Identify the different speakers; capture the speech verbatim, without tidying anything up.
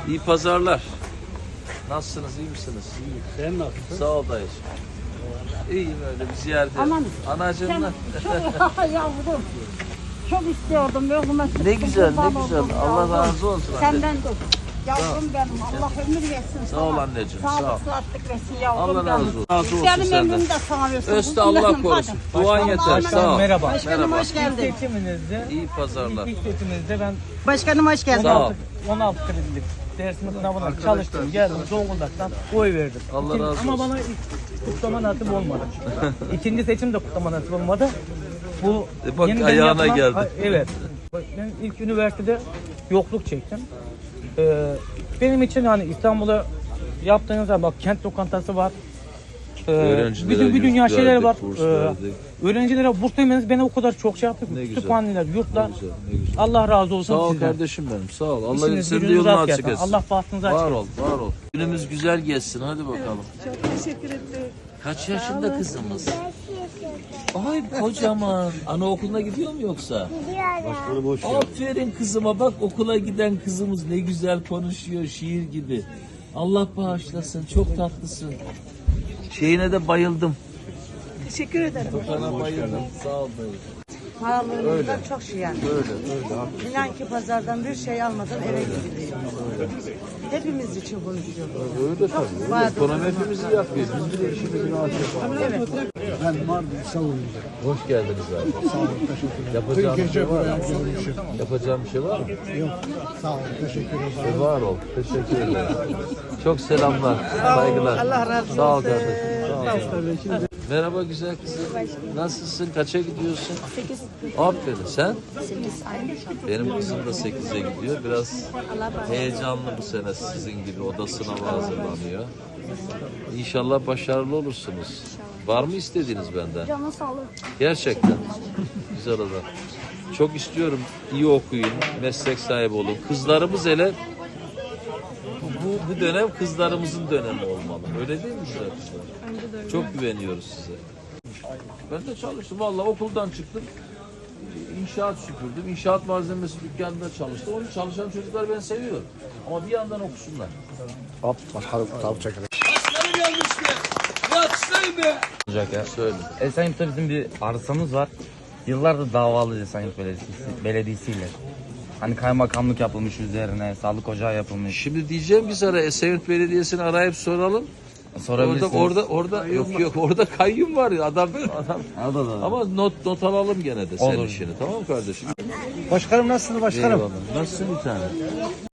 Speaker 1: İyi pazarlar. Nasılsınız, iyi misiniz?
Speaker 2: İyi. Sen nasılsın?
Speaker 1: Sağ ol dayıcığım. İyiyim öyle bir ziyaret.
Speaker 3: Aman.
Speaker 1: Anacığımla.
Speaker 3: Çok yavrum. Çok istiyordum. Yoluma çıktım.
Speaker 1: Ne güzel, ne
Speaker 3: kurban
Speaker 1: güzel.
Speaker 3: oldum
Speaker 1: Allah
Speaker 3: yavrum.
Speaker 1: razı olsun anne.
Speaker 3: Senden de. Yavrum benim. Allah ömür versin.
Speaker 1: Sağ ol anneciğim, sağ ol.
Speaker 3: Sağlık, sıhhatlik versin yavrum
Speaker 1: Allah razı olsun. Razı olsun
Speaker 3: Benim
Speaker 1: senden.
Speaker 3: ömrümü de sana versin.
Speaker 1: Öste Allah korusun. Duan yeter. Sağ ol.
Speaker 4: Merhaba.
Speaker 3: Başkanım hoş geldin.
Speaker 4: Seçiminizde,
Speaker 1: İyi pazarlar.
Speaker 4: ilk seçiminizde ben
Speaker 3: Başkanım hoş geldin.
Speaker 1: Sağ ol.
Speaker 4: on altı kredilik dersim sınavına çalıştım. Geldim Zonguldak'tan oy verdim.
Speaker 1: Allah
Speaker 4: İkinci-
Speaker 1: razı
Speaker 4: Ama
Speaker 1: olsun.
Speaker 4: bana ilk kutlama nasip olmadı. İkinci seçim de kutlama nasip olmadı. Bu
Speaker 1: E bak,
Speaker 4: yeniden
Speaker 1: ayağına
Speaker 4: yapılan-
Speaker 1: geldi.
Speaker 4: Ha, evet. Ben ilk üniversitede yokluk çektim. Ee, benim için hani İstanbul'a yaptığınız zaman bak kent lokantası var. Ee,
Speaker 1: Öğrencilere
Speaker 4: bütün bir dünya
Speaker 1: yurt
Speaker 4: şeyleri
Speaker 1: verdik,
Speaker 4: var.
Speaker 1: burs
Speaker 4: Ee,
Speaker 1: verdik.
Speaker 4: öğrencilere burs vermeniz beni o kadar çok şey yaptı.
Speaker 1: Ne güzel.
Speaker 4: Kütüphaneler, yurtlar.
Speaker 1: Ne güzel, ne güzel.
Speaker 4: Allah razı olsun
Speaker 1: Sağ ol
Speaker 4: sizden.
Speaker 1: kardeşim benim. Sağ ol. Allah
Speaker 4: İşiniz,
Speaker 1: senin de
Speaker 4: gücünüz
Speaker 1: yolunu
Speaker 4: rast
Speaker 1: açık
Speaker 4: gelsin.
Speaker 1: etsin.
Speaker 4: Allah bahtınızı açık
Speaker 1: Var
Speaker 4: etsin.
Speaker 1: ol, var ol. Günümüz güzel geçsin. Hadi bakalım.
Speaker 5: Çok teşekkür ederim.
Speaker 1: Kaç yaşında kızımız? Ay kocaman. Anaokuluna gidiyor mu yoksa? Gidiyor. Aferin kızıma bak, okula giden kızımız ne güzel konuşuyor, şiir gibi. Allah bağışlasın, çok tatlısın. Şeyine de bayıldım.
Speaker 5: Teşekkür ederim.
Speaker 1: Sana bayıldım. Sağ ol dayı.
Speaker 6: Pahalılığından çok şey yani.
Speaker 1: Öyle, öyle.
Speaker 6: İnan ki pazardan bir şey almadan eve gidiliyor. Hepimiz için konuşuyorum.
Speaker 1: Öyle tabii. Öyle. Ekonomi hepimizi yapıyor. Biz de işimizin altında.
Speaker 2: Ben Mardin savunacağım.
Speaker 1: Hoş geldiniz abi.
Speaker 2: Sağ olun, teşekkür ederim.
Speaker 1: Yapacağım bir şey var mı?
Speaker 2: Görüşürüz.
Speaker 1: Yapacağım bir şey var mı?
Speaker 2: Yok, sağ olun, teşekkür ederim.
Speaker 1: E, var ol. Teşekkür ederim. Çok selamlar. Saygılar.
Speaker 6: Allah razı olsun.
Speaker 1: Sağ ol kardeşim. Sağ ol. Merhaba güzel kızım. Nasılsın? Kaça gidiyorsun? sekiz. Aferin. Sen? sekiz. Benim kızım da sekize gidiyor. Biraz heyecanlı bu sene sizin gibi. O da sınava hazırlanıyor. İnşallah başarılı olursunuz. Var mı istediğiniz benden?
Speaker 3: Canın sağlık.
Speaker 1: Gerçekten. Güzel adam. Çok istiyorum iyi okuyun, meslek sahibi olun. Kızlarımız hele bu, bu, bu dönem kızlarımızın dönemi olmalı. Öyle değil mi güzel kızlar? Çok güveniyoruz size. Ben de çalıştım. Vallahi okuldan çıktım. İnşaat süpürdüm. İnşaat malzemesi dükkanında çalıştım. Onu çalışan çocuklar ben seviyorum. Ama bir yandan okusunlar.
Speaker 7: Başkanı gelmişti. Yatsın be.
Speaker 8: Olacak ya.
Speaker 1: Söyle.
Speaker 8: Esenyurt'ta bizim bir arsamız var. Yıllardır davalıyız Esenyurt Belediyesi, Belediyesi'yle. Hani kaymakamlık yapılmış üzerine, sağlık ocağı yapılmış.
Speaker 1: Şimdi diyeceğim biz ara Esenyurt Belediyesi'ni arayıp soralım. Orada
Speaker 8: Sorabilirsiniz.
Speaker 1: orada orada yok yok orada kayyum var ya adam adam.
Speaker 8: Orada da.
Speaker 1: Ama not not alalım gene de senin
Speaker 8: Olur.
Speaker 1: işini, tamam mı kardeşim?
Speaker 2: Başkanım nasılsınız başkanım?
Speaker 1: Eyvallah. Nasılsın bir tane?